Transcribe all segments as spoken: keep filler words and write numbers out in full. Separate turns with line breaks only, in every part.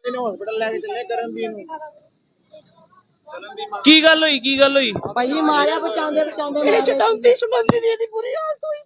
की गल हुई की गल हुई
भाई मारिया बचांदे बचांदे चटांदी चटांदी दी दी पूरी हालत होई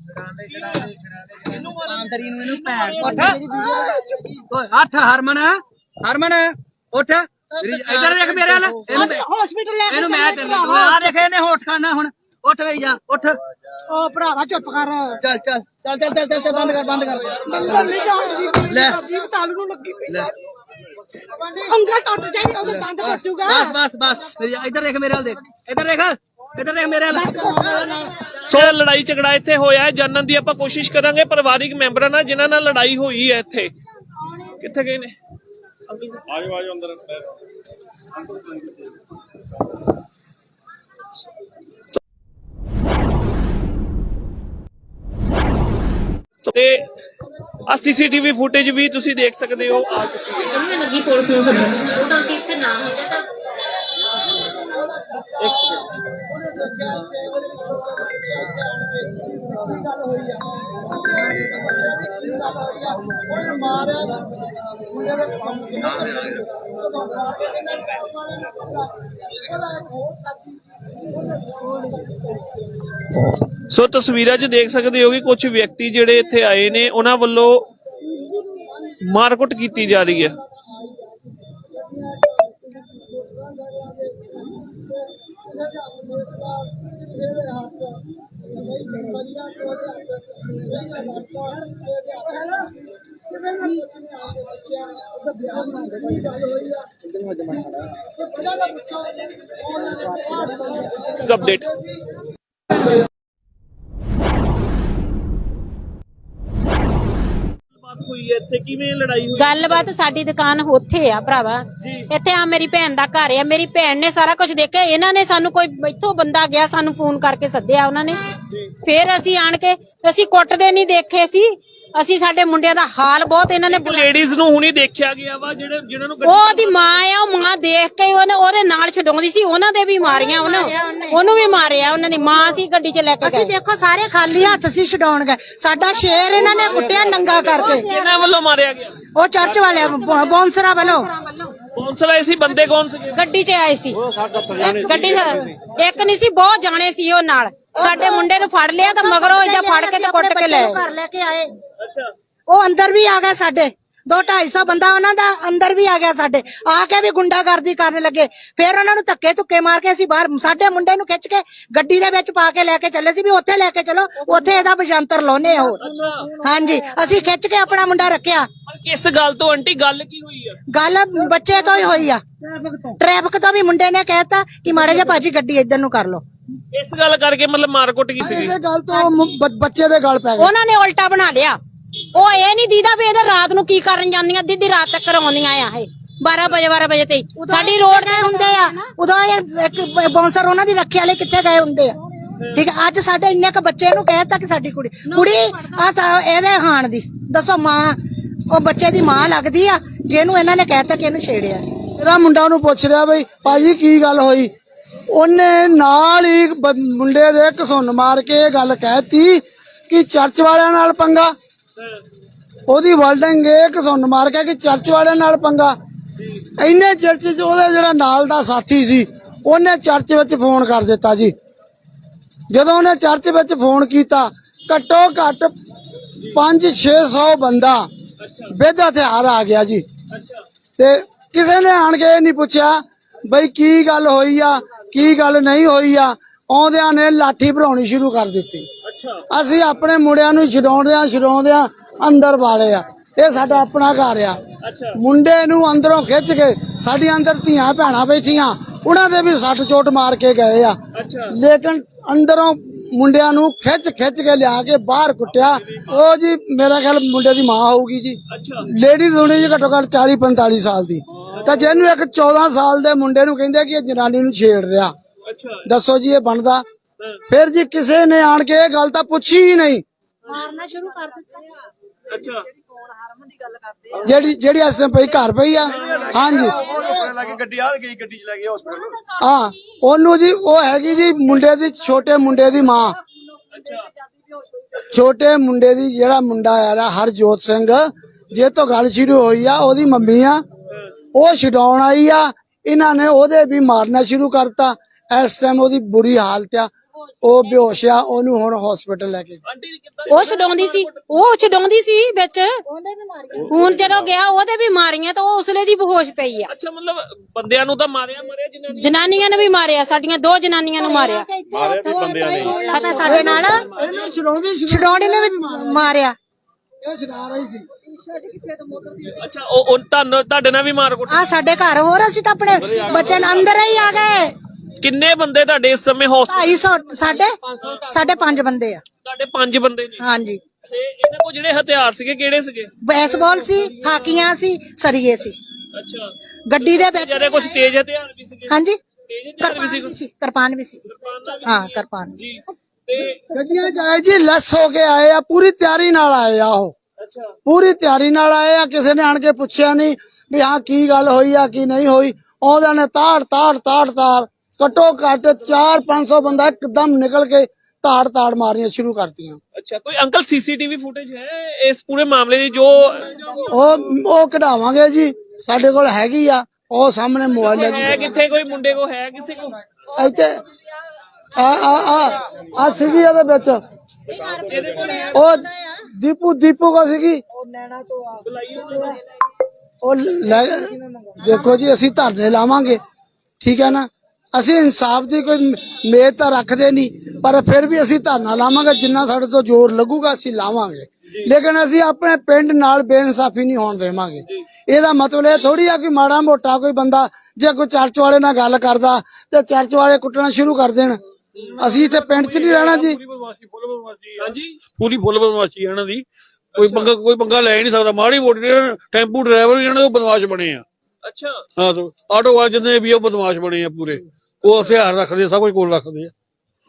पई अंदर इनु इनु पैर उठ हट हरमन हरमन उठ इधर देख मेरे वाला हॉस्पिटल ले इनु मैं तेन आ देख इने होठ खाना हुन उठ वे जा उठ ओ भरावा चुप कर चल चल चल चल चल चल बंद कर बंद कर बंद नहीं जान ले जीव तालू नु लगी पई अंगल टूट जाएगी ओदे दंद फटूगा बस बस बस इधर देख मेरे वाल देख इधर देख इधर देख मेरे वाल
सो लड़ाई झगड़ा इत्थे होया है जानन दी आपां कोशिश करांगे परिवारिक मैंबरां नाल जिन्हां नाल लड़ाई होई है इत्थे कित्थे गए ने आजो आजो अंदर ਤੇ ਆ ਸੀਸੀਟੀਵੀ ਫੁਟੇਜ ਵੀ ਤੁਸੀਂ ਦੇਖ ਸਕਦੇ ਹੋ ਆ ਚੁੱਕੀ ਹੈ
ਮੈਂ ਲੱਗੀ ਪੁਲਿਸ ਨੂੰ ਸੱਦਣ ਉਹ ਤਾਂ ਅਸੀਂ ਇੱਥੇ ਨਾ ਹੁੰਦੇ ਤਾਂ
ਇੱਕ ਸੈਕਿੰਡ सो तस्वीरां च देख सकते हो कि कुछ व्यक्ति जिहड़े इत्थे आए ने उन्हां वल्लों मारकुट की जा रही है। अपडेट
गलबात साडी दुकान उत्थे आ भरावा इत्थे आ मेरी भैन दा घर है मेरी भैन ने सारा कुछ देखा इन्हां ने सानू कोई इत्थों बंदा गया सानू फोन करके सद्दिया उन्हां ने फिर असी आण के असी कुटदे नहीं देखे सी असी साडे मुंडियां दा हाल बहुत इन्हां ने
लेडीज नूं हुणी देखिया गया वा जेड़े जिन्हां नूं
ओदी मां आ ओ मां देख के ओने ओदे नाल छडौंदी सी ओनां दे भी मारियां ओने ओनू भी मारिया ओनां दी मां सी गड्डी च लेके गए।
ਅਸੀਂ ਦੇਖੋ ਸਾਰੇ ਖਾਲੀ ਹੱਥ ਸੀ ਛਡਾਉਣ ਗਏ ਸਾਡਾ ਸ਼ੇਰ ਇਹਨਾਂ ਨੇ ਕੁੱਟਿਆ ਨੰਗਾ ਕਰਕੇ
ਕਿਹਨਾਂ ਵੱਲੋਂ ਮਾਰਿਆ ਗਿਆ
ਉਹ ਚਰਚ ਵਾਲਿਆਂ ਬੌਂਸਰਾ ਵੱਲੋਂ
ਬੌਂਸਰ ਆਏ ਸੀ ਬੰਦੇ ਕੌਣ ਸੀ
ਗੱਡੀ 'ਚ ਆਏ ਸੀ ਗੱਡੀ ਇੱਕ ਨਹੀਂ ਸੀ ਬਹੁਤ ਜਾਣੇ ਸੀ ਉਹ ਨਾਲ ਸਾਡੇ ਮੁੰਡੇ ਨੂੰ ਫੜ ਲਿਆ ਤਾਂ ਮਗਰੋਂ ਇਹਦਾ ਫੜ ਕੇ ਤੇ ਕੁੱਟ ਕੇ ਲੈ ਘਰ ਲੈ ਕੇ ਆਏ।
ਅੱਛਾ
ਉਹ ਅੰਦਰ ਵੀ ਆ ਗਏ ਸਾਡੇ दो ढाई सौ बंदा उन्हां दा अंदर भी आ गया साडे आके भी गुंडागर्दी करने लगे फिर उन्हां नूं धक्के धुक्के मार के असीं बाहर साडे मुंडे नूं खिच के गड्डी दे विच पा के लेके चले सी भी उत्थे लेके चलो उत्थे एदा बशंतर लाउने हो। हां जी असीं खिच के अपना मुंडा रखिया।
किस गल तो आंटी गल की हुई है?
गल बच्चे तो ही हुई आ ट्रैफिक तो भी मुंडे ने कहता कि माड़े जे भाजी गड्डी इधर नूं कर लो
इस गल करके मतलब मारकुट की सी
इस गल तो बच्चे दे गल पै गए
उन्हां ने उल्टा बना लिया ਉਹ ਇਹ ਨਹੀਂ ਦੀਦਾ ਵੀ ਇਹਦੇ ਰਾਤ ਨੂੰ ਕੀ ਕਰਨ ਜਾਂਦੀਆਂ ਦਿੱਦੀ ਰਾਤ ਤੱਕ ਆਉਂਦੀਆਂ ਆ ਇਹ ਬਾਰਾਂ ਵਜੇ ਬਾਰਾਂ ਵਜੇ ਤੇ ਸਾਡੀ ਰੋਡ ਤੇ ਹੁੰਦੇ ਆ ਉਦੋਂ ਇੱਕ ਬੌਂਸਰ ਉਹਨਾਂ ਦੀ ਰੱਖਿਆ ਵਾਲੇ ਕਿੱਥੇ ਗਏ ਹੁੰਦੇ ਆ ਠੀਕ ਹੈ। ਅੱਜ ਸਾਡੇ ਇੰਨੇ ਕ ਬੱਚੇ ਨੂੰ ਕਹਿਤਾ ਕਿ ਸਾਡੀ ਕੁੜੀ ਕੁੜੀ ਆ ਇਹਦੇ ਹਾਣ ਦੀ ਦੱਸੋ ਮਾਂ ਉਹ ਬੱਚੇ ਦੀ ਮਾਂ ਲੱਗਦੀ ਆ ਜਿਹਨੂੰ ਇਹਨਾਂ ਨੇ ਕਹਿਤਾ ਕਿ ਇਹਨੂੰ ਛੇੜਿਆ।
ਮੇਰਾ ਮੁੰਡਾ ਨੂੰ ਪੁੱਛ ਰਿਹਾ ਬਈ ਭਾਜੀ ਕੀ ਗੱਲ ਹੋਈ ਉਹਨੇ ਨਾਲ ਹੀ ਮੁੰਡੇ ਦੇ ਘਸੁੰਨ ਮਾਰ ਕੇ ਇਹ ਗੱਲ ਕਹਿਤੀ ਕਿ ਚਰਚ ਵਾਲਿਆਂ ਨਾਲ ਪੰਗਾ ਉਹਦੀ ਵਰਡਿੰਗ ਇਹ ਘਸੁੰਨ ਮਾਰ ਕੇ ਕਿ ਚਰਚ ਵਾਲਿਆਂ ਨਾਲ ਪੰਗਾ ਇੰਨੇ ਚਰਚ ਚ ਉਹਦੇ ਜਿਹੜਾ ਨਾਲ ਦਾ ਸਾਥੀ ਸੀ ਉਹਨੇ ਚਰਚ ਵਿੱਚ ਫੋਨ ਕਰ ਦਿੱਤਾ ਜੀ। ਜਦੋਂ ਉਹਨੇ ਚਰਚ ਵਿੱਚ ਫੋਨ ਕੀਤਾ ਘੱਟੋ ਘੱਟ ਪੰਜ ਛੇ ਸੌ ਬੰਦਾ ਵਿਦ ਹਥਿਆਰ ਆ ਗਿਆ ਜੀ ਤੇ ਕਿਸੇ ਨੇ ਆਣ ਕੇ ਇਹ ਨਹੀਂ ਪੁੱਛਿਆ ਬਈ ਕੀ ਗੱਲ ਹੋਈ ਆ ਕੀ ਗੱਲ ਨਹੀਂ ਹੋਈ ਆ ਆਉਂਦਿਆਂ ਨੇ ਲਾਠੀ ਭਰਾਉਣੀ ਸ਼ੁਰੂ ਕਰ ਦਿੱਤੀ। ਅਸੀਂ ਆਪਣੇ ਮੁੰਡਿਆਂ ਨੂੰ ਛਡਾਉਂਦਿਆਂ ਛਡਾਉਂਦਿਆਂ ਅੰਦਰ ਵਾਲੇ ਆ ਇਹ ਸਾਡਾ ਆਪਣਾ ਘਰ ਆ ਮੁੰਡੇ ਨੂੰ ਅੰਦਰੋਂ ਖਿੱਚ ਕੇ ਸਾਡੀ ਅੰਦਰ ਧੀਆਂ ਭੈਣਾਂ ਬੈਠੀਆਂ ਉਹਨਾਂ ਦੇ ਵੀ ਸੱਟ ਚੋਟ ਮਾਰ ਕੇ ਗਏ ਆ ਲੇਕਿਨ ਅੰਦਰੋਂ ਮੁੰਡਿਆਂ ਨੂੰ ਖਿੱਚ ਖਿੱਚ ਕੇ ਲਿਆ ਕੇ ਬਾਹਰ ਕੁੱਟਿਆ। ਉਹ ਜੀ ਮੇਰਾ ਖਿਆਲ ਮੁੰਡੇ ਦੀ ਮਾਂ ਹੋਊਗੀ ਜੀ ਲੇਡੀਜ਼ ਹੋਣੀ ਜੀ ਘੱਟੋ ਘੱਟ ਚਾਲੀ ਪੰਤਾਲੀ ਸਾਲ ਦੀ ਤਾਂ ਜਿਹਨੂੰ ਇੱਕ ਚੌਦਾਂ ਸਾਲ ਦੇ ਮੁੰਡੇ ਨੂੰ ਕਹਿੰਦੇ ਕਿ ਇਹ ਜਨਾਨੀ ਨੂੰ ਛੇੜ ਰਿਹਾ ਦੱਸੋ ਜੀ ਇਹ ਬਣਦਾ। फिर जी किसी ने आन के गल तो पूछी ही नहीं
मारना शुरू कर दित्ता।
अच्छा
जेड़ी जेड़ी इस टाइम पई घर पई आ हां जी गड्डी आ गई गड्डी च ले गए हॉस्पिटल हां ओनू जी ओ हैगी जी मुंडे दी छोटे मुंडे दी मां छोटे मुंडे दी जेड़ा मुंडा आ हरजोत सिंह जे तो गल शुरू होई आ ओदी मम्मी आ ਉਹ ਛਡਾਉਣ ਆਈ ਆ, ਇਹਨਾਂ ਨੇ ਉਹਦੇ ਵੀ ਮਾਰਨਾ ਸ਼ੁਰੂ ਕਰਤਾ। ਇਸ ਟਾਈਮ ਉਹਦੀ ਬੁਰੀ ਹਾਲਤ ਆ, ਉਹ ਬੇਹੋਸ਼ ਆ, ਉਹਨੂੰ ਹੁਣ ਹਸਪੀਟਲ ਲੈ ਕੇ
ਆਂਟੀ ਜੀ ਕਿੱਦਾਂ
ਉਹ ਛਡਾਉਂਦੀ ਸੀ ਉਹ ਛਡਾਉਂਦੀ ਸੀ ਵਿੱਚ ਹੁਣ ਜਦੋਂ ਗਿਆ ਉਹਦੇ ਵੀ ਮਾਰੀਆਂ ਤਾਂ ਉਹ ਉਸਲੇ ਦੀ ਬੇਹੋਸ਼ ਪਈ ਆ।
ਅੱਛਾ ਮਤਲਬ ਬੰਦਿਆਂ ਨੂੰ ਤਾਂ ਮਾਰਿਆ ਮਾਰਿਆ ਜਿਨ੍ਹਾਂ ਨੇ
ਜਨਾਨੀਆਂ ਨੂੰ ਵੀ ਮਾਰਿਆ, ਸਾਡੀਆਂ ਦੋ ਜਨਾਨੀਆਂ ਨੂੰ ਮਾਰਿਆ ਪਤਾ ਸਾਡੇ ਨਾਲ ਛਡਾਉਣੀ ਨੇ ਵੀ ਮਾਰਿਆ।
ਇਹ ਛਡਾ ਰਹੀ ਸੀ।
ਅੱਛਾ ਉਹ ਉਹ ਤੁਹਾਨੂੰ ਤੁਹਾਡੇ ਨਾਲ ਵੀ ਮਾਰ ਕੁੱਟ
ਆ ਸਾਡੇ ਘਰ ਹੋਰ ਅਸੀਂ ਤਾਂ ਆਪਣੇ ਬੱਚੇ ਨੂੰ ਅੰਦਰ ਹੀ ਆ ਗਏ।
ਕਿੰਨੇ ਬੰਦੇ ਤੁਹਾਡੇ ਇਸ ਸਮੇਂ ਹਸਪਤਾਲ
ਢਾਈ ਸੌ ਸਾਡੇ ਸਾਡੇ ਪੰਜ ਬੰਦੇ ਆ।
ਤੁਹਾਡੇ ਪੰਜ ਬੰਦੇ ਨੇ
ਹਾਂਜੀ
ਤੇ ਇਹਨਾਂ ਕੋਲ ਜਿਹੜੇ ਹਥਿਆਰ ਸੀਗੇ ਕਿਹੜੇ ਸੀਗੇ?
ਬੈਸਬਾਲ ਸੀ, ਹਾਕੀਆਂ ਸੀ, ਸਰੀਏ ਸੀ।
ਅੱਛਾ
ਗੱਡੀ ਦੇ ਵਿੱਚ
ਜਿਹੜੇ ਕੁਝ ਤੇਜ਼ ਹਥਿਆਰ ਵੀ ਸੀਗੇ?
ਹਾਂਜੀ
ਤੇਜ਼ ਹਥਿਆਰ ਵੀ
ਕਿਰਪਾਨ ਵੀ ਸੀ, ਕਿਰਪਾਨ ਵੀ ਸੀ। ਹਾਂ ਕਿਰਪਾਨ
ਜੀ ਤੇ
ਗੱਡੀਆਂ ਚ ਆਏ ਜੀ, ਲੈਸ ਹੋ ਕੇ ਆਏ ਆ, ਪੂਰੀ ਤਿਆਰੀ ਨਾਲ ਆਏ ਆ। ਉਹ
ਅੱਛਾ
ਪੂਰੀ ਤਿਆਰੀ ਨਾਲ ਆਏ ਆ, ਕਿਸੇ ਨੇ ਆਣ ਕੇ ਪੁੱਛਿਆ ਨਹੀਂ ਵੀ ਹਾਂ ਕੀ ਗੱਲ ਹੋਈ ਆ ਕੀ ਨਹੀਂ ਹੋਈ। ਉਹਦੇ ਨੇ ਤਾੜ ਤਾੜ ਤਾੜ ਤਾੜ ਘੱਟੋ ਘੱਟ ਚਾਰ ਪੰਜ ਸੌ ਬੰਦਾ ਇੱਕਦਮ ਨਿਕਲ ਕੇ ਤਾੜ ਤਾੜ ਮਾਰਨੀਆਂ ਸ਼ੁਰੂ ਕਰਤੀਆਂ।
ਅੱਛਾ ਕੋਈ ਅੰਕਲ ਸੀਸੀਟੀਵੀ ਫੁਟੇਜ ਹੈ ਇਸ ਪੂਰੇ ਮਾਮਲੇ ਦੀ ਜੋ
ਉਹ ਉਹ ਕਢਾਵਾਂਗੇ ਜੀ, ਸਾਡੇ ਕੋਲ ਹੈਗੀ ਆ, ਉਹ ਸਾਹਮਣੇ ਮੋਬਾਈਲ
ਹੈ
ਹੈ
ਕਿੱਥੇ ਕੋਈ ਮੁੰਡੇ ਕੋ ਹੈ ਕਿਸੇ ਕੋ?
ਇੱਥੇ ਆ ਆ ਆ ਆ ਸੀਗੀ ਉਹਦੇ ਵਿੱਚ,
ਇਹਦੇ ਕੋਲ ਹੈ
ਉਹ ਦੀਪੂ ਦੀਪੂ ਕੋ ਸੀਗੀ ਉਹ ਲੈ। ਦੇਖੋ ਜੀ ਅਸੀਂ ਧਰਨੇ ਲਾਵਾਂਗੇ, ਠੀਕ ਹੈ ਨਾ, ਅਸੀਂ ਇਨਸਾਫ ਦੀ ਕੋਈ ਮੇਦ ਤਾਂ ਰੱਖਦੇ ਨਹੀਂ, ਪਰ ਫਿਰ ਵੀ ਅਸੀਂ ਧਰਨਾ ਲਾਵਾਂਗੇ, ਜਿੰਨਾ ਸਾਡੇ ਤੋਂ ਜ਼ੋਰ ਲੱਗੂਗਾ ਅਸੀਂ ਲਾਵਾਂਗੇ। ਲੇਕਿਨ ਅਸੀਂ ਆਪਣੇ ਪਿੰਡ ਨਾਲ ਬੇਇਨਸਾਫੀ ਨਹੀਂ ਹੋਣ ਦੇਵਾਂਗੇ। ਇਹਦਾ ਮਤਲਬ ਇਹ ਥੋੜੀ ਆ ਕਿ ਮਾੜਾ ਮੋਟਾ ਕੋਈ ਬੰਦਾ ਜੇ ਕੋਈ ਚਰਚ ਵਾਲੇ ਨਾਲ ਗੱਲ ਕਰਦਾ ਤੇ ਚਰਚ ਵਾਲੇ ਕੁੱਟਣਾ ਸ਼ੁਰੂ ਕਰ ਦੇਣ। ਅਸੀਂ ਇੱਥੇ ਪਿੰਡ 'ਚ ਨਹੀਂ ਰਹਿਣਾ ਜੀ।
ਹਾਂਜੀ
ਪੂਰੀ ਫੁੱਲ ਬਦਮਾਸ਼ੀ ਹੈ ਇਹਨਾਂ ਦੀ, ਕੋਈ ਪੰਗਾ ਕੋਈ ਪੰਗਾ ਲੈ ਹੀ ਨਹੀਂ ਸਕਦਾ। ਮਾੜੀ ਮੋਟੀ ਟੈਂਪੂ ਡਰਾਈਵਰ ਇਹਨਾਂ ਦੇ ਬਦਮਾਸ਼ ਬਣੇ ਆ।
ਅੱਛਾ
ਹਾਂ ਤੋਂ ਆਟੋ ਵਾਲੇ ਜਿੰਨੇ ਵੀ ਉਹ ਬਦਮਾਸ਼ ਬਣੇ ਆ ਪੂਰੇ, ਉਹ ਹਥਿਆਰ ਰੱਖਦੇ ਆ, ਸਭ ਕੁਝ ਕੋਲ ਰੱਖਦੇ ਆ।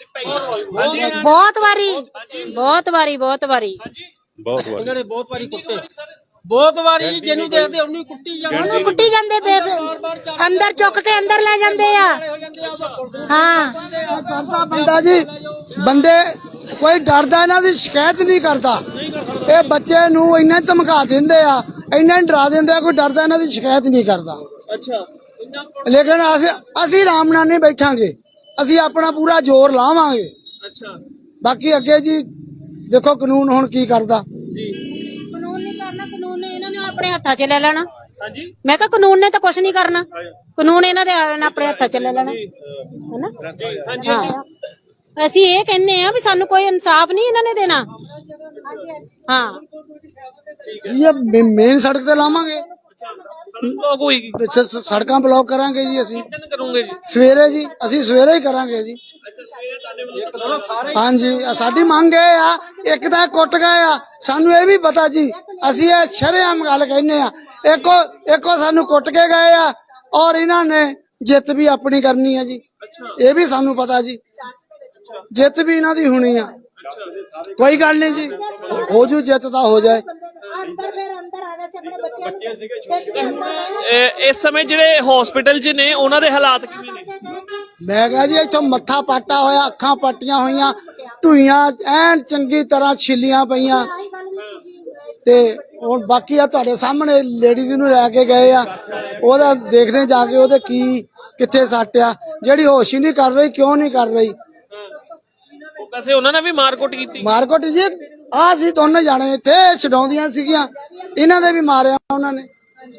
ਬਹੁਤ ਵਾਰੀ ਬਹੁਤ ਵਾਰੀ ਬਹੁਤ ਵਾਰੀ
ਬਹੁਤ ਵਾਰ
ਇਹਨਾਂ ਨੇ ਬਹੁਤ ਵਾਰੀ ਕੁੱਟੇ, ਬਹੁਤ ਵਾਰੀ ਜਿਹਨੂੰ ਦੇਖਦੇ ਉਹਨੂੰ ਕੁੱਟੀ ਜਾਂਦੇ।
ਉਹਨੂੰ ਕੁੱਟੀ ਜਾਂਦੇ ਬੇਬੇ, ਅੰਦਰ ਚੁੱਕ ਕੇ ਅੰਦਰ ਲੈ ਜਾਂਦੇ ਆ। ਹਾਂ
ਕਰਦਾ ਬੰਦਾ ਜੀ, ਬੰਦੇ ਕੋਈ ਡਰਦਾ ਇਹਨਾਂ ਦੀ ਸ਼ਿਕਾਇਤ ਨਹੀਂ ਕਰਦਾ। ਇਹ ਬੱਚੇ ਨੂੰ ਇੰਨਾ ਧਮਕਾ ਦਿੰਦੇ ਆ, ਇੰਨਾ ਡਰਾ ਦਿੰਦੇ ਆ, ਕੋਈ ਡਰਦਾ ਇਹਨਾਂ ਦੀ ਸ਼ਿਕਾਇਤ ਨਹੀਂ ਕਰਦਾ।
ਅੱਛਾ
ਲੇਕਿਨ ਅਸੀਂ ਅਸੀਂ ਆਰਾਮ ਨਾਲ ਨਹੀਂ ਬੈਠਾਂਗੇ, ਅਸੀਂ ਆਪਣਾ ਪੂਰਾ ਜ਼ੋਰ ਲਾਵਾਂਗੇ।
ਅੱਛਾ
ਬਾਕੀ ਅੱਗੇ ਜੀ ਦੇਖੋ ਕਾਨੂੰਨ ਹੁਣ ਕੀ ਕਰਦਾ।
ਜੀ
ਕਾਨੂੰਨ ਨਹੀਂ ਕਰਨਾ, ਕਾਨੂੰਨ ਨੇ ਇਹਨਾਂ ਨੇ ਆਪਣੇ ਹੱਥਾਂ 'ਚ ਲੈ ਲੈਣਾ।
ਹਾਂਜੀ
ਮੈਂ ਕਿਹਾ ਕਾਨੂੰਨ ਨੇ ਤਾਂ ਕੁਝ ਨਹੀਂ ਕਰਨਾ, ਕਾਨੂੰਨ ਇਹਨਾਂ ਦੇ ਆਪਣੇ ਹੱਥਾਂ 'ਚ ਲੈ ਲੈਣਾ ਹੈਨਾ।
ਹਾਂਜੀ
ਹਾਂ ਅਸੀਂ ਇਹ ਕਹਿੰਦੇ ਆ ਵੀ ਸਾਨੂੰ ਕੋਈ ਇਨਸਾਫ ਨਹੀਂ ਇਹਨਾਂ ਨੇ ਦੇਣਾ। ਹਾਂ
ਇਹ ਮੇਨ ਸੜਕ ਤੇ ਲਾਵਾਂਗੇ,
ਬਲੌਕ ਹੋਏਗੀ
ਸ- ਸ- ਸੜਕਾਂ ਬਲੌਕ ਕਰਾਂਗੇ ਜੀ। ਅਸੀਂ
ਕਿੰਨ ਕਰੋਗੇ ਜੀ?
ਸਵੇਰੇ ਜੀ, ਅਸੀਂ ਸਵੇਰੇ ਹੀ ਕਰਾਂਗੇ ਜੀ।
ਅੱਛਾ ਸਵੇਰੇ ਤੁਹਾਡੇ ਵੱਲੋਂ
ਹਾਂਜੀ ਆਹ ਸਾਡੀ ਮੰਗ ਇਹ ਆ, ਇੱਕ ਤਾਂ ਕੁੱਟ ਗਏ ਆ, ਸਾਨੂੰ ਇਹ ਵੀ ਪਤਾ ਜੀ, ਅਸੀਂ ਇਹ ਸ਼ਰੇਆਮ ਗੱਲ ਕਹਿੰਦੇ ਆ। ਇੱਕੋ ਇੱਕੋ ਸਾਨੂੰ ਕੁੱਟ ਕੇ ਗਏ ਆ, ਔਰ ਇਹਨਾਂ ਨੇ ਜਿੱਤ ਵੀ ਆਪਣੀ ਕਰਨੀ ਆ ਜੀ, ਇਹ ਵੀ ਸਾਨੂੰ ਪਤਾ ਜੀ। ਜਿੱਤ ਵੀ ਇਹਨਾਂ ਦੀ ਹੋਣੀ ਆ, ਕੋਈ ਗੱਲ ਨਹੀਂ ਜੀ, ਹੋ ਜੂ ਜਿੱਤ ਤਾਂ ਹੋ ਜਾਏ।
ਅੰਦਰ ਫਿਰ ਅੰਦਰ ਆ ਗਏ ਸੀ ਆਪਣੇ ਬੱਚੇ
ਇਹ- ਇਸ ਸਮੇਂ ਜਿਹੜੇ ਹਸਪੀਟਲ 'ਚ ਨੇ ਉਹਨਾਂ ਦੇ ਹਾਲਾਤ ਕਿਵੇਂ ਨੇ?
ਮੈਂ ਕਿਹਾ ਜੀ ਇੱਥੋਂ ਮੱਥਾ ਪਾਟਾ ਹੋਇਆ, ਅੱਖਾਂ ਪੱਟੀਆਂ ਹੋਈਆਂ, ਢੂਈਆਂ ਐਨ ਚੰਗੀ ਤਰ੍ਹਾਂ ਛਿੱਲੀਆਂ ਪਈਆਂ। ਤੇ ਹੁਣ ਬਾਕੀ ਆ ਤੁਹਾਡੇ ਸਾਹਮਣੇ ਲੇਡੀਜ਼ ਨੂੰ ਲੈ ਕੇ ਗਏ ਆ, ਉਹਦਾ ਦੇਖਦੇ ਜਾ ਕੇ ਉਹਦੇ ਕੀ ਕਿੱਥੇ ਸੱਟ ਆ, ਜਿਹੜੀ ਹੋਸ਼ ਹੀ ਨਹੀਂ ਕਰ ਰਹੀ। ਕਿਉਂ ਨਹੀਂ ਕਰ ਰਹੀ?
ਵੈਸੇ ਉਹਨਾਂ ਨੇ ਵੀ ਮਾਰਕੁੱਟ ਕੀਤੀ।
ਮਾਰਕਟ ਜੀ ਆ ਸੀ ਦੋਨੇ ਜਾਣੇ ਇੱਥੇ ਛਡਾਉਂਦੀਆਂ ਸੀਗੀਆਂ, ਇਹਨਾਂ ਦੇ ਵੀ ਮਾਰਿਆ ਉਹਨਾਂ ਨੇ।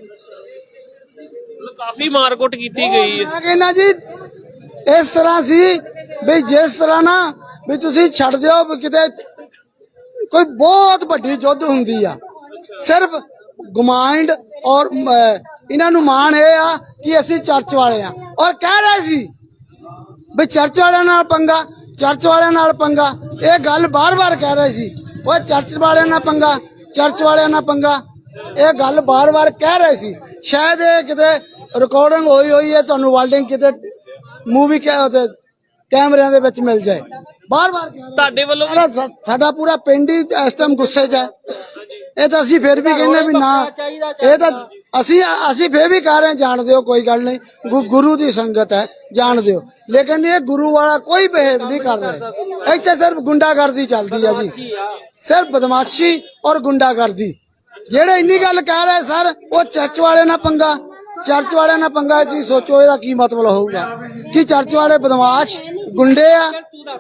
ਮਤਲਬ ਕਾਫੀ ਮਾਰਕੁੱਟ ਕੀਤੀ ਗਈ ਹੈ।
ਮੈਂ ਕਹਿੰਦਾ ਜੀ ਇਸ ਤਰ੍ਹਾਂ ਸੀ ਵੀ ਜਿਸ ਤਰ੍ਹਾਂ ਨਾ ਵੀ ਤੁਸੀਂ ਛੱਡ ਦਿਓ ਵੀ ਕਿਤੇ ਕੋਈ ਬਹੁਤ ਵੱਡੀ ਯੁੱਧ ਹੁੰਦੀ ਆ। ਸਿਰਫ ਗੁਮਾਇੰਡ ਔਰ ਇਹਨਾਂ ਨੂੰ ਮਾਣ ਇਹ ਆ ਕਿ ਅਸੀਂ ਚਰਚ ਵਾਲੇ ਆ, ਔਰ ਕਹਿ ਰਹੇ ਸੀ ਵੀ ਚਰਚ ਵਾਲਿਆਂ ਨਾਲ ਪੰਗਾ, ਚਰਚ ਵਾਲਿਆਂ ਨਾਲ ਪੰਗਾ। ਇਹ ਗੱਲ ਬਾਰ-ਬਾਰ ਕਹਿ ਰਹੇ ਸੀ, ਉਹ ਚਰਚ ਵਾਲਿਆਂ ਨਾਲ ਪੰਗਾ, ਚਰਚ ਵਾਲਿਆਂ ਨਾਲ ਪੰਗਾ। ਇਹ ਗੱਲ ਬਾਰ-ਬਾਰ ਕਹਿ ਰਹੇ ਸੀ। ਸ਼ਾਇਦ ਇਹ ਕਿਤੇ ਰਿਕਾਰਡਿੰਗ ਹੋਈ ਹੋਈ ਹੈ, ਤੁਹਾਨੂੰ ਵਾਲਡਿੰਗ ਕਿਤੇ ਮੂਵੀ ਕੈਮਰਿਆਂ ਦੇ ਵਿੱਚ ਮਿਲ ਜਾਏ। ਬਾਰ-ਬਾਰ ਕਹਿ ਰਹੇ
ਤੁਹਾਡੇ ਵੱਲੋਂ ਵੀ
ਸਾਡਾ ਸਾਡਾ ਪੂਰਾ ਪਿੰਡ ਹੀ ਇਸ ਟਾਈਮ ਗੁੱਸੇ 'ਚ ਹੈ। ਇਹ ਤਾਂ ਅਸੀਂ ਫਿਰ ਵੀ ਕਹਿੰਦੇ ਵੀ ਨਾ, ਇਹ ਤਾਂ ਅਸੀਂ ਅਸੀਂ ਫਿਰ ਵੀ ਕਹਿ ਰਹੇ ਜਾਣ ਦਿਓ, ਕੋਈ ਗੱਲ ਨਹੀਂ, ਗੁ- ਗੁਰੂ ਦੀ ਸੰਗਤ ਹੈ, ਜਾਣ ਦਿਓ। ਲੇਕਿਨ ਇਹ ਗੁਰੂ ਵਾਲਾ ਕੋਈ ਬਿਹੇਵ ਨਹੀਂ ਕਰ ਰਹੇ। ਇੱਥੇ ਸਿਰਫ ਗੁੰਡਾਗਰਦੀ ਚੱਲਦੀ ਹੈ ਜੀ, ਸਿਰਫ ਬਦਮਾਸ਼ੀ ਔਰ ਗੁੰਡਾਗਰਦੀ। ਜਿਹੜੇ ਇੰਨੀ ਗੱਲ ਕਹਿ ਰਹੇ ਸਰ ਉਹ ਚਰਚ ਵਾਲੇ ਨਾਲ ਪੰਗਾ, ਚਰਚ ਵਾਲਿਆਂ ਨਾਲ ਪੰਗਾ ਜੀ ਸੋਚੋ ਇਹਦਾ ਕੀ ਮਤਲਬ ਹੋਊਗਾ ਕਿ ਚਰਚ ਵਾਲੇ ਬਦਮਾਸ਼ ਗੁੰਡੇ ਆ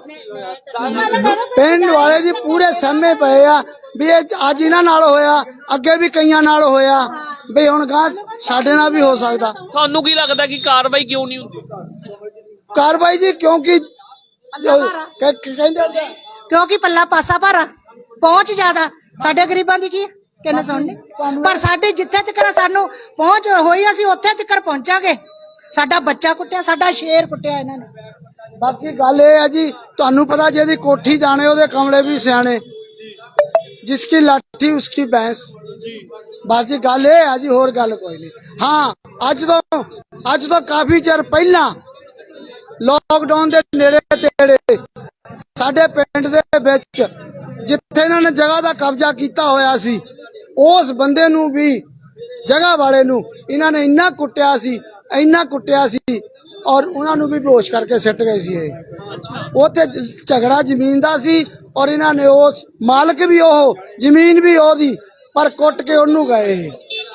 ਪਿੰਡ ਵਾਲੇ ਜੀ ਪੂਰੇ ਸਹਿਮੇ ਪਏ ਆ ਵੀ ਇਹ ਅੱਜ ਇਹਨਾਂ ਨਾਲ ਹੋਇਆ ਅੱਗੇ ਵੀ ਕਈਆਂ ਨਾਲ ਹੋਇਆ ਵੀ ਹੁਣ ਗਾਂ ਸਾਡੇ ਨਾਲ ਵੀ ਹੋ ਸਕਦਾ।
ਤੁਹਾਨੂੰ ਕੀ ਲੱਗਦਾ ਕਿ ਕਾਰਵਾਈ ਕਿਉਂ ਨਹੀਂ ਹੁੰਦੀ?
ਕਾਰਵਾਈ ਜੀ ਕਿਉਂਕਿ ਕ- ਕਹਿੰਦੇ ਹੁੰਦੇ ਆ,
ਕਿਉਂਕਿ ਪੱਲਾ ਪਾਸਾ ਭਾਰਾ ਪਹੁੰਚ ਜ਼ਿਆਦਾ ਸਾਡੇ ਗਰੀਬਾਂ ਦੀ ਕੀ ਕਿੰਨੇ ਸੁਣਨੇ ਪਰ ਸਾਡੇ ਜਿੱਥੇ ਤੱਕ ਸਾਨੂੰ ਪਹੁੰਚ ਹੋਈ ਅਸੀਂ ਉੱਥੇ ਤੱਕ ਪਹੁੰਚਾਂਗੇ। ਸਾਡਾ ਬੱਚਾ ਕੁੱਟਿਆ ਸਾਡਾ ਸ਼ੇਰ ਕੁੱਟਿਆ ਇਹਨਾਂ ਨੇ।
ਬਾਕੀ ਗੱਲ ਇਹ ਆ ਜੀ ਤੁਹਾਨੂੰ ਪਤਾ ਜਿਹਦੀ ਕੋਠੀ ਜਾਣੇ ਉਹਦੇ ਕਮਲੇ ਵੀ ਸਿਆਣੇ ਜਿਸकी ਲਾਠੀ ਉਸकी ਭੈਂਸ ਬਾਜੀ ਗੱਲ ਇਹ ਆ ਜੀ ਹੋਰ ਗੱਲ ਕੋਈ ਨਹੀਂ। ਹਾਂ ਅੱਜ ਤੋਂ ਅੱਜ ਤੋਂ ਕਾਫੀ ਚਿਰ ਪਹਿਲਾਂ ਲੋਕਡਾਊਨ ਦੇ ਨੇੜੇ ਤੇੜੇ ਸਾਡੇ ਪਿੰਡ ਦੇ ਵਿੱਚ ਜਿੱਥੇ ਇਹਨਾਂ ਨੇ ਜਗ੍ਹਾ ਦਾ ਕਬਜ਼ਾ ਕੀਤਾ ਹੋਇਆ ਸੀ ਉਸ ਬੰਦੇ ਨੂੰ ਵੀ ਜਗ੍ਹਾ ਵਾਲੇ ਨੂੰ ਇਹਨਾਂ ਨੇ ਇੰਨਾ ਕੁੱਟਿਆ ਸੀ ਇੰਨਾ ਕੁੱਟਿਆ ਸੀ ਔਰ ਉਹਨਾਂ ਨੂੰ ਵੀ ਬੇਹੋਸ਼ ਕਰਕੇ ਸਿੱਟ ਗਏ ਸੀ। ਇਹ ਉੱਥੇ ਝਗੜਾ ਜ਼ਮੀਨ ਦਾ ਸੀ ਔਰ ਇਹਨਾਂ ਨੇ ਉਸ ਮਾਲਕ ਵੀ ਉਹ ਜ਼ਮੀਨ ਵੀ ਉਹਦੀ ਪਰ ਕੁੱਟ ਕੇ ਉਹਨੂੰ ਗਏ ਇਹ।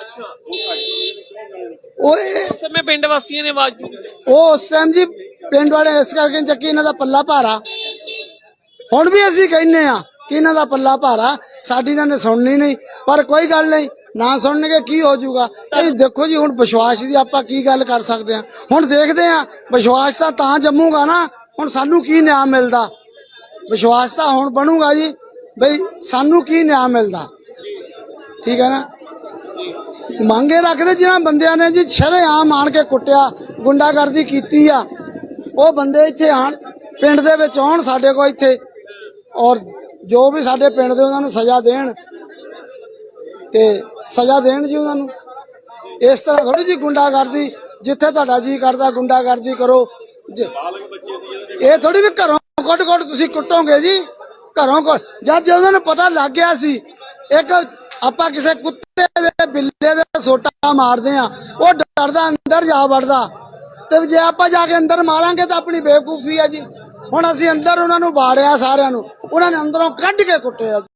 ਉਹ ਇਹ-
ਉਸ ਸਮੇਂ ਪਿੰਡ ਵਾਸੀਆਂ ਨੇ ਆਵਾਜ਼ ਨਹੀਂ ਚੱਕੀ।
ਉਹ ਉਸ ਟਾਈਮ ਜੀ ਪਿੰਡ ਵਾਲੇ ਇਸ ਕਰਕੇ ਨੀ ਚੱਕੀ ਇਹਨਾਂ ਦਾ ਪੱਲਾ ਭਾਰਾ। ਹੁਣ ਵੀ ਅਸੀਂ ਕਹਿੰਨੇ ਆ ਕਿ ਇਹਨਾਂ ਦਾ ਪੱਲਾ ਭਾਰਾ ਸਾਡੀ ਇਹਨਾਂ ਨੇ ਸੁਣਨੀ ਨਹੀਂ ਪਰ ਕੋਈ ਗੱਲ ਨਹੀਂ ਨਾ ਸੁਣਨਗੇ ਕੀ ਹੋ ਜਾਊਗਾ। ਇਹ ਦੇਖੋ ਜੀ ਹੁਣ ਵਿਸ਼ਵਾਸ ਦੀ ਆਪਾਂ ਕੀ ਗੱਲ ਕਰ ਸਕਦੇ ਆ ਹੁਣ ਦੇਖਦੇ ਆ ਵਿਸ਼ਵਾਸ ਤਾਂ ਤਾਂ ਜੰਮੂਗਾ ਨਾ ਹੁਣ ਸਾਨੂੰ ਕੀ ਨਿਆਂ ਮਿਲਦਾ ਵਿਸ਼ਵਾਸ ਤਾਂ ਹੁਣ ਬਣੂਗਾ ਜੀ ਬਈ ਸਾਨੂੰ ਕੀ ਨਿਆਂ ਮਿਲਦਾ ਠੀਕ ਹੈ ਨਾ। ਮੰਗੇ ਰੱਖਦੇ ਜਿਨ੍ਹਾਂ ਬੰਦਿਆਂ ਨੇ ਜੀ ਸ਼ਰੇਆਮ ਆਣ ਕੇ ਕੁੱਟਿਆ ਗੁੰਡਾਗਰਦੀ ਕੀਤੀ ਆ ਉਹ ਬੰਦੇ ਇੱਥੇ ਆਣ ਪਿੰਡ ਦੇ ਵਿੱਚ ਆਉਣ ਸਾਡੇ ਕੋਲ ਇੱਥੇ ਔਰ ਜੋ ਵੀ ਸਾਡੇ ਪਿੰਡ ਦੇ ਉਹਨਾਂ ਨੂੰ ਸਜ਼ਾ ਦੇਣ ਤੇ ਸਜ਼ਾ ਦੇਣ ਜੀ ਉਹਨਾਂ ਨੂੰ। ਇਸ ਤਰ੍ਹਾਂ ਥੋੜੀ ਜੀ ਗੁੰਡਾਗਰਦੀ ਜਿੱਥੇ ਤੁਹਾਡਾ ਜੀ ਕਰਦਾ ਗੁੰਡਾਗਰਦੀ ਕਰੋ ਜ- ਇਹ ਥੋੜੀ ਵੀ ਘਰੋਂ ਕੁੱਟ ਕੁੱਟ ਤੁਸੀਂ ਕੁੱਟੋਗੇ ਜੀ ਘਰੋਂ ਕੁੱਟ ਜਦ ਜੇ ਉਹਨਾਂ ਨੂੰ ਪਤਾ ਲੱਗ ਗਿਆ ਸੀ ਇੱਕ ਆਪਾਂ ਕਿਸੇ ਕੁੱਤੇ ਦੇ ਬਿੱਲੇ ਦੇ ਸੋਟਾ ਮਾਰਦੇ ਆ ਉਹ ਡਰਦਾ ਅੰਦਰ ਜਾ ਵੜਦਾ ਤੇ ਜੇ ਆਪਾਂ ਜਾ ਕੇ ਅੰਦਰ ਮਾਰਾਂਗੇ ਤਾਂ ਆਪਣੀ ਬੇਵਕੂਫੀ ਆ ਜੀ। ਹੁਣ ਅਸੀਂ ਅੰਦਰ ਉਹਨਾਂ ਨੂੰ ਬਾੜਿਆ ਸਾਰਿਆਂ ਨੂੰ ਉਹਨਾਂ ਨੇ ਅੰਦਰੋਂ ਕੱਢ ਕੇ ਕੁੱਟਿਆ।